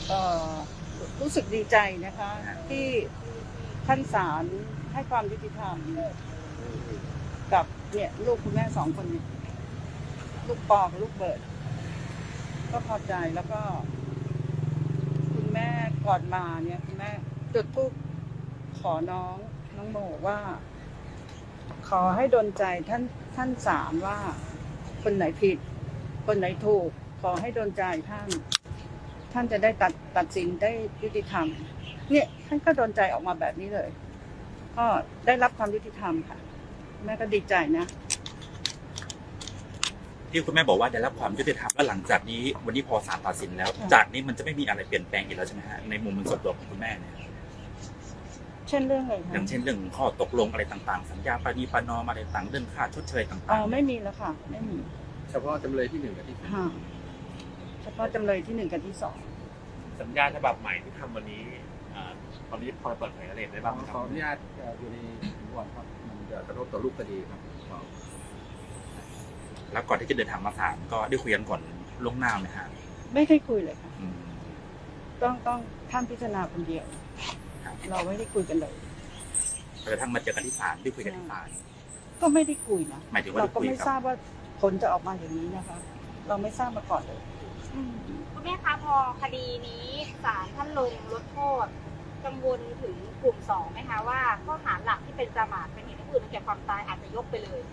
ก็รู้สึกดีใจนะคะที่ท่านศาลให้ความยุติธรรมกับเนี่ยลูกคุณแม่สองคนนี้ลูกปอกับลูกเบิร์ดก็พอใจแล้วก็คุณแม่ก่อนมาเนี่ยคุณแม่จุดธูปขอน้องโมว่าขอให้ดลใจท่านศาลว่าคนไหนผิดคนไหนถูกขอให้ดลใจท่านจะได้ตัดสินได้ยุติธรรมเนี่ยท่านก็ดลใจออกมาแบบนี้เลยก็ได้รับความยุติธรรมค่ะแม่ก็ดีใจนะที่คุณแม่บอกว่าได้รับความยุติธรรมแล้วหลังจากนี้วันนี้พอศาลตัดสินแล้วจากนี้มันจะไม่มีอะไรเปลี่ยนแปลงอีกแล้วใช่ไหมฮะในมุมส่วนตัวของคุณแม่เนี่ยเช่นเรื่องอะไรคะอย่างเช่นเรื่องข้อตกลงอะไรต่างๆสัญญาปณีประนอมอะไรต่างเรื่องค่าชดเชยต่างๆไม่มีแล้วค่ะไม่มีเฉพาะจำเลยที่1กับที่ 2เฉพาะจำเลยที่1กับที่2 สัญญาฉบับใหม่ที่ทำวันนี้ตอนนี้พอเปิดเผยอะไรได้บ้างครับขออนุญาตอยู่ในสำนวนครับมันจะกระทบต่อรูปคดีครับแล้วก่อนที่จะเดินทางมาศาลก็ได้คุยกันก่อนล่วงหน้าไหมฮะไม่ได้คุยเลยค่ะต้องท่านพิจารณาคนเดียวเราไม่ได้คุยกันเลยกระทั่งมาเจอกันที่ศาลได้คุยกันที่ศาลก็ไม่ได้คุยนะหมายถึงว่าเราก็ไม่ทราบว่าผลจะออกมาอย่างนี้นะคะเราไม่ทราบมาก่อนเลยคุณแม่คะพอคดีนี้ศาลท่านลงลดโทษกังวลถึงกลุ่ม2ไหมคะว่าข้อหาหลักที่เป็นประมาทเป็นเหตุให้ผู้อื่นถึงแก่ความตายอาจจะยกไปเลย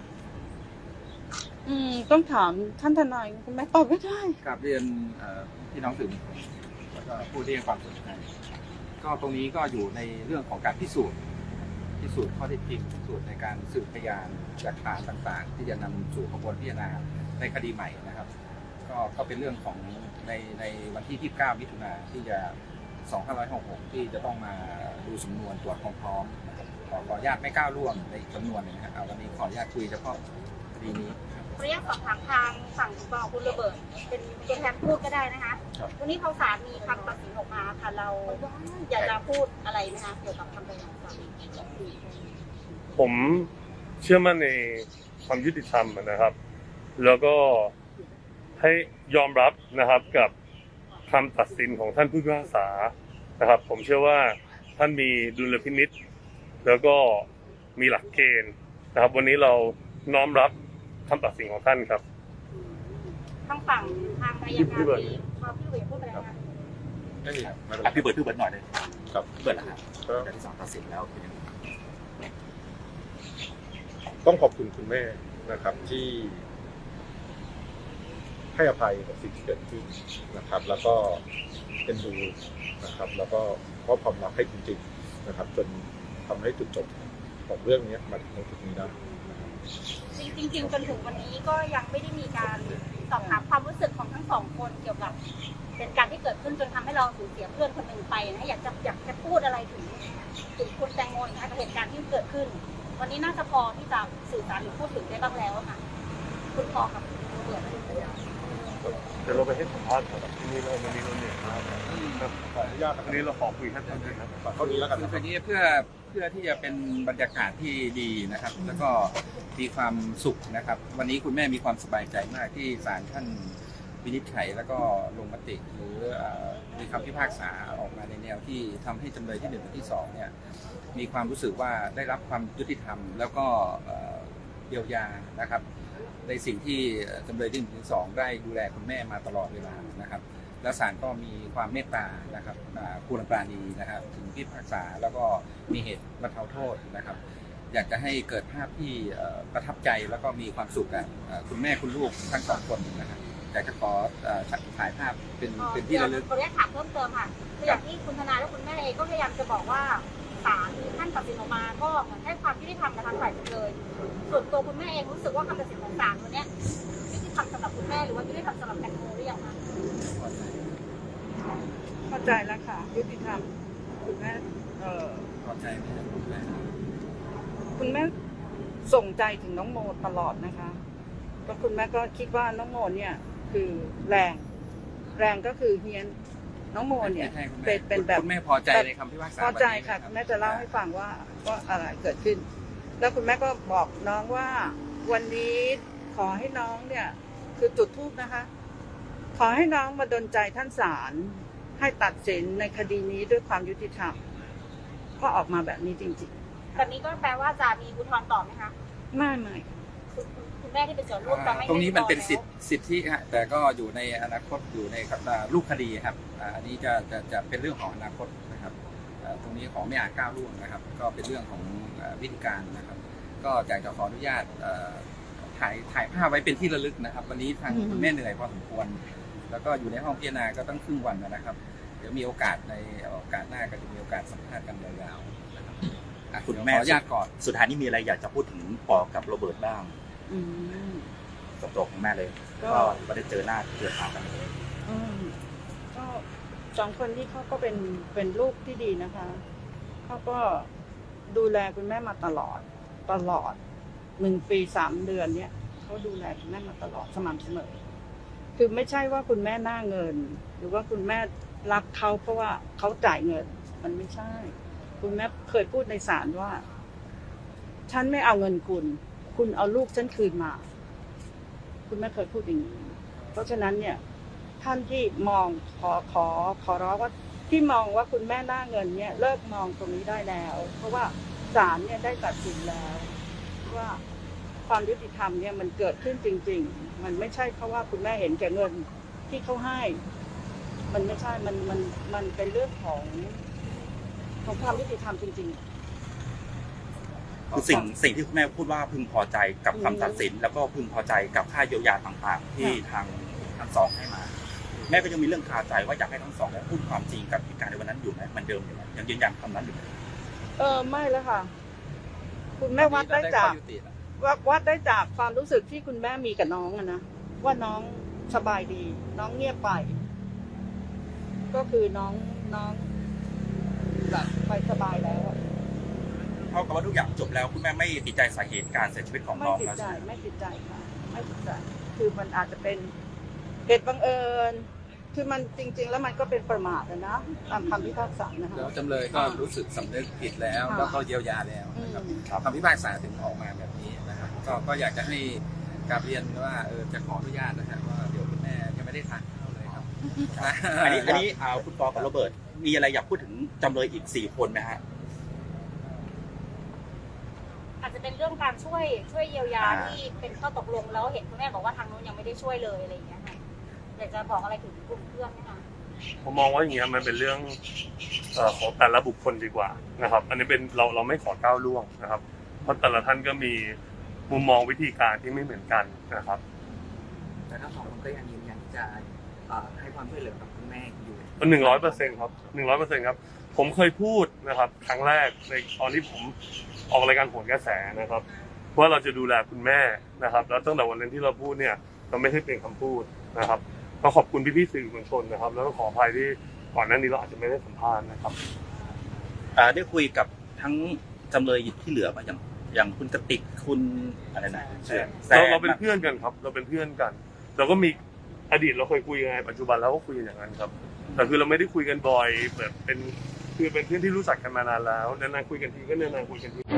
ต้องถามท่านทนายคุณแม่ตอบไม่ได้กราบเรียนพี่น้องสื่อมวลชนแล้วก็ผู้ที่ให้ความสนใจก็ตรงนี้ก็อยู่ในเรื่องของการพิสูจน์ข้อเท็จจริงพิสูจน์ในการสืบพยานหลักฐานต่างๆที่จะนำสู่กระบวนพิจารณาในคดีใหม่นะครับก็เป็นเรื่องของในวันที่29มิถุนายนที่จะ2566ที่จะต้องมาดูสำนวนตรวจความพร้อมขออนุญาตไม่ก้าวล่วงในสำนวนนะครับวันนี้ขออนุญาตคุยเฉพาะคดีนี้ขออนุญาตสอบถามทางฝั่งคุณโรเบิร์ตเป็นตัวแทนพูดก็ได้นะคะวันนี้พอศาลมีคำตัดสินออกมาค่ะเราอยากจะพูดอะไรไหมคะเกี่ยวกับคำตัดสินของศาลผมเชื่อมั่นในความยุติธรรมนะครับ แล้วก็ให้ยอมรับนะครับกับคำตัดสินของท่านผู้พิพากษานะครับผมเชื่อว่าท่านมีดุลพินิจแล้วก็มีหลักเกณฑ์นะครับวันนี้เราน้อมรับคำตัดสินของท่านครับทางฝั่งทางอายการนี้พี่เบิร์ดพูดอะไรคะพี่เบิร์ดหน่อยเลยครับเบิร์ดนะครับการที่ศาลตัดสินแล้วเป็นยังไงต้องขอบคุณคุณแม่นะครับที่ให้อภัยกับสิ่งที่เกิดขึ้นนะครับแล้วก็เป็นดูนะครับแล้วก็มอบความรักให้จริงๆนะครับจนทำให้จุดจบของเรื่องนี้มาถึงจุดนี้ได้จริงจนถึงวันนี้ก็ยังไม่ได้มีการสอบถามความรู้สึกของทั้งสองคนเกี่ยวกับเป็นการที่เกิดขึ้นจนทำให้เราสูญเสียเพื่อนคนหนึ่งไปนะอยากจะพูดอะไรถึงคุณแตงโมนะคะกับเหตุการณ์ที่เกิดขึ้นวันนี้น่าจะพอที่จะสื่อสารหรือพูดถึงได้บ้างแล้วค่ะคุณพอกับโรเบิร์ตเดี๋ยวเราไปให้สัมภาษณ์กับที่นี่แล้ววันนี้เราเหนื่อยมากขออนุญาตวันนี้เราขอคุยแค่ตอนนี้นะเท่านี้แล้วกันคือวันนี้เพื่อที่จะเป็นบรรยากาศที่ดีนะครับแล้วก็มีความสุขนะครับวันนี้คุณแม่มีความสบายใจมากที่ศาลท่านวินิจฉัยแล้วก็ลงมติหรือมีคำพิพากษาออกมาในแนวที่ทำให้จำเลยที่1และที่2เนี่ยมีความรู้สึกว่าได้รับความยุติธรรมแล้วก็เยียวยานะครับในสิ่งที่จำเลยที่1ถึง2ได้ดูแลคุณแม่มาตลอดเวลานะครับแล้วศาลก็มีความเมตตานะครับคุณปราณีนะครับถึงพิพากษาแล้วก็มีเหตุบรรเทาโทษนะครับอยากจะให้เกิดภาพที่ประทับใจแล้วก็มีความสุขกันคุณแม่คุณลูกทั้ง2คนนะครับอยากจะขอถ่ายภาพเป็นที่ระลึกขออนุญาตถามเพิ่มเติมค่ะคืออย่างที่คุณทนายและคุณแม่เองก็พยายามจะบอกว่าศาลท่านตัดสินออกมาก็เหมือนให้ความยุติธรรมกับทางฝ่ายจำเลยส่วนตัวคุณแม่เองรู้สึกว่าคำตัดสินของศาลวันนี้ยุติธรรมสำหรับคุณแม่หรือว่ายุติธรรมสำหรับแตงโมหรือยังคะเข้าใจแล้วค่ะยุติธรรมคุณแม่เข้าใจไหมคุณแม่ส่งใจถึงน้องโมตลอดนะคะก็คุณแม่ก็คิดว่าน้องโมเนี่ยคือแรงก็คือเฮียนน้องโมเนี่ยเป็นแบบคุณแม่พอใจในคำพิพากษาพอใจค่ะคุณแม่จะเล่าให้ฟังว่าอะไรเกิดขึ้นแล้วคุณแม่ก็บอกน้องว่าวันนี้ขอให้น้องเนี่ยคือจุดธูปนะคะขอให้น้องมาดลใจท่านศาลให้ตัดสินในคดีนี้ด้วยความยุติธรรมก็ออกมาแบบนี้จริงแบบนี้ก็แปลว่าจะมีอุทธรณ์ต่อไหมคะๆไม่คุณแม่ที่เป็นส่วนร่วมจะไม่ตรงนี้มันเป็นให้สิทธิฮะแต่ก็อยู่ในอนาคตอยู่ในรูปคดีครับอันนี้จะเป็นเรื่องของอนาคตนะครับตรงนี้ขอไม่อาจก้าวล่วงนะครับ ก็เป็นเรื่องของวิธีการนะครับ ก็อยากจะขออนุญาตถ่ายภาพไว้เป็นที่ระลึกนะครับ วันนี้ทางคุณแม่เหนื่อยพอสมควร แล้วก็อยู่ในห้องพิจารณาก็ต้องครึ่งวันนะครับ เดี๋ยวมีโอกาสในโอกาสหน้าก็จะมีโอกาสสัมภาษณ์กันยาวๆนะครับคุณแม่ขออนุญาตก่อนสุดท้ายนี้มีอะไรอยากจะพูดถึงปอกับโรเบิร์ตบ้างอืมกับตัวของแม่เลยก็ก็ไม่ได้เจอหน้าเจอตากันเลยก็สองคนนี้เขาก็เป็นลูกที่ดีนะคะเขาก็ดูแลคุณแม่มาตลอด1 ปี 3 เดือนเนี่ยเขาดูแลคุณแม่มาตลอดสม่ำเสมอคือไม่ใช่ว่าคุณแม่หน้าเงิน หรือว่าคุณแม่รักเขาเพราะว่าเขาจ่ายเงิน มันไม่ใช่ คุณแม่เคยพูดในศาลว่า ฉันไม่เอาเงินคุณเอาลูกฉันคืนมา คุณแม่เคยพูดอย่างนี้เพราะฉะนั้นเนี่ยท่านที่มองขอร้องว่าที่มองว่าคุณแม่หน้าเงินเนี่ยเลิกมองตรงนี้ได้แล้ว เพราะว่าศาลเนี่ยได้ตัดสินแล้วว่าความยุติธรรมเนี่ยมันเกิดขึ้นจริงๆมันไม่ใช่เพราะว่าคุณแม่เห็นแก่เงินที่เขาให้ มันไม่ใช่มันเป็นเรื่องของความยุติธรรมจริงๆคือสิ่งที่คุณแม่พูดว่าพึงพอใจกับคำตัดสิน แล้วก็พึงพอใจกับค่าเยียวยาต่างๆ ที่ทางทั้งสองให้มา แม่ก็ยังมีเรื่องคาใจว่าอยากให้ทั้งสองพูดความจริงกับเหตุการณ์ในวันนั้นอยู่ไหมมันเดิมอยู่ไหมยังยืนยันคำนั้นอยู่ไหมไม่แล้วค่ะ คุณแม่วัดได้จากความรู้สึกที่คุณแม่มีกับน้องอะนะว่าน้องสบายดี น้องเงียบไป ก็คือน้องแบบไปสบายแล้วอะเท่ากับว่าทุกอย่างจบแล้วคุณแม่ไม่ติดใจสาเหตุการเสียชีวิตของไม่น้องติดแล้วใจใช่ไหมไม่ติดใจค่ะไม่ติดใจ คือมันอาจจะเป็นเหตุบังเอิญ คือมันจริง ๆ แล้วมันก็เป็นประมาทนะตามคำพิพากษานะคะแล้วจำเลยก็รู้สึกสำนึกผิดแล้วค่ะแล้วก็เยียวยาแล้วนะครับครับคำพิพากษาถึงออกมาแบบนี้นะครับ ก็อยากจะให้กราบเรียนว่าจะขออนุญาตนะครับว่าเดี๋ยวคุณแม่ยังไม่ได้ทานข้าวเลยครับอันนี้คุณปอกับโรเบิร์ตมีอะไรอยากพูดถึงจำเลยอีก4 คนไหมฮะอาจจะเป็นเรื่องการช่วยเยียวยาที่เป็นข้อตกลงแล้วเห็นคุณแม่บอกว่าทางนู้นยังไม่ได้ช่วยเลยอะไรอย่างเงี้ยค่ะอยากจะบอกอะไรถึงกลุ่มเพื่อนไหมคะผมมองว่าอย่างเงี้ยมันเป็นเรื่องของแต่ละบุคคลดีกว่านะครับ อันนี้เป็นเราไม่ขอก้าวล่วงนะครับ เพราะแต่ละท่านก็มีมุมมองวิธีการที่ไม่เหมือนกันนะครับแต่ทั้งสองคนก็ยังยืนยันที่จะให้ความช่วยเหลือกับคุณแม่อยู่ 100%ครับ100%ครับผมเคยพูดนะครับครั้งแรกในตอนที่ผมออกรายการโหนกระแสนะครับว่าเราจะดูแลคุณแม่นะครับแล้วตั้งแต่วันนั้นที่เราพูดเนี่ยเราไม่ใช่เป็นคำพูดนะครับก็ขอบคุณพี่ๆสื่อมวลชนนะครับแล้วก็ขออภัยที่ก่อนหน้านี้เราอาจจะไม่ได้สัมภาษณ์นะครับได้คุยกับทั้งจำเลยที่เหลือมาอย่างคุณกติกคุณอะไรนะเราเป็นเพื่อนกันครับเราเป็นเพื่อนกันเราก็มีอดีตเราเคยคุยยังไงปัจจุบันเราก็คุยอย่างนั้นครับแต่คือเราไม่ได้คุยกันบ่อยแบบเป็นเพื่อนที่รู้จักกันมานานแล้วนานๆคุยกันทีก็นานๆคุยกันที